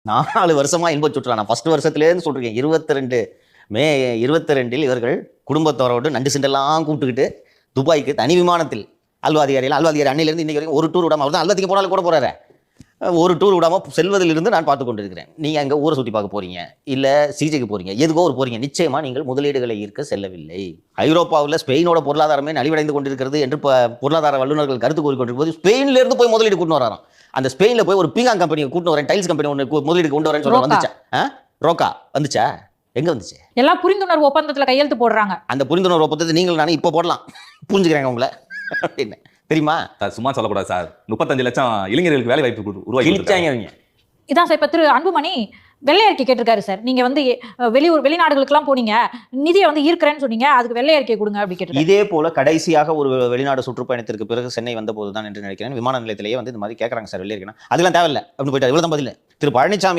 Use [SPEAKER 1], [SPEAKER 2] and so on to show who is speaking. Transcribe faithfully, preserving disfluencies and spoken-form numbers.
[SPEAKER 1] நாலு வருஷமா இன்ப சுற்றுலா. நான் ஃபர்ஸ்ட் வருஷத்திலேருந்து சொல்றேன். இருபத்தி ரெண்டு மே இருபத்தி ரெண்டில் இவர்கள் குடும்பத்தோரோடு நண்டு சிண்டெல்லாம் கூப்பிட்டுக்கிட்டு துபாய்க்கு தனி விமானத்தில் அல்வாதிகாரியில் அல்வாதிகாரி அன்னையிலேருந்து இன்னைக்கு வரைக்கும் ஒரு டூர் விடாமல் அவர் தான் அல்வாதிக்கு போனாலும் கூட போறாரு. ஒரு டூர் விடாமல் செல்வதிலிருந்து நான் பார்த்து கொண்டிருக்கிறேன். நீங்கள் அங்கே ஊரை சுற்றி பார்க்க போறீங்க, இல்லை சிகிச்சைக்கு போறீங்க, எதுக்கோ ஒரு போறீங்க. நிச்சயமா நீங்கள் முதலீடுகளை ஈர்க்க செல்லவில்லை. ஐரோப்பாவில் ஸ்பெயினோட பொருளாதாரமே நலிவடைந்து கொண்டிருக்கிறது என்று பொருளாதார வல்லுநர்கள் கருத்து கூறிக்கொண்டிருக்கும் போது ஸ்பெயின்ல இருந்து போய் முதலீடு கூட்டு வராராம். அந்த ஸ்பெயின்ல போய் ஒரு பீங்காங் கம்பெனி கூட்டு வரேன், டைல்ஸ் கம்பெனி ஒன்று முதலீடு கொண்டு வரேன்னு சொல்ல வந்துச்சா? ரோக்கா வந்துச்சா? எங்க வந்துச்சு?
[SPEAKER 2] எல்லாம் புரிந்துணர்வு ஒப்பந்தத்தில் கையெழுத்து போடுறாங்க.
[SPEAKER 1] அந்த புரிந்துணர்வு ஒப்பந்தத்தை நீங்கள் நானும் இப்போ போடலாம், புரிஞ்சுக்கிறாங்க உங்களை அப்படின்னு தெரியுமா?
[SPEAKER 3] சும்மா சொல்லக்கூடாது சார். முப்பத்தஞ்சு லட்சம் இளைஞர்களுக்கு வேலை வாய்ப்பு உருவாக்கி
[SPEAKER 2] இதான் சார். இப்போ திரு அன்புமணி வெள்ளை அறிக்கை கேட்டிருக்காரு சார். நீங்க வந்து வெளியூர் வெளிநாடுகளுக்குலாம் போனீங்க, நிதியை வந்து ஈர்க்கிறேன்னு சொன்னீங்க, அதுக்கு வெள்ளை அறிக்கை கொடுங்க அப்படி கேட்டு.
[SPEAKER 1] இதே போல கடைசியாக ஒரு வெளிநாடு சுற்றுப்பயணத்திற்கு பிறகு சென்னை வந்த போது தான் என்று நினைக்கிறேன், விமான நிலையத்திலேயே வந்து இந்த மாதிரி கேட்கறாங்க சார் வெள்ளை அறிக்கைனா. அதெல்லாம் தேவையில்லை அப்படின்னு போயிட்டு இவ்வளவு தான் பதில். திரு பழனிசாமி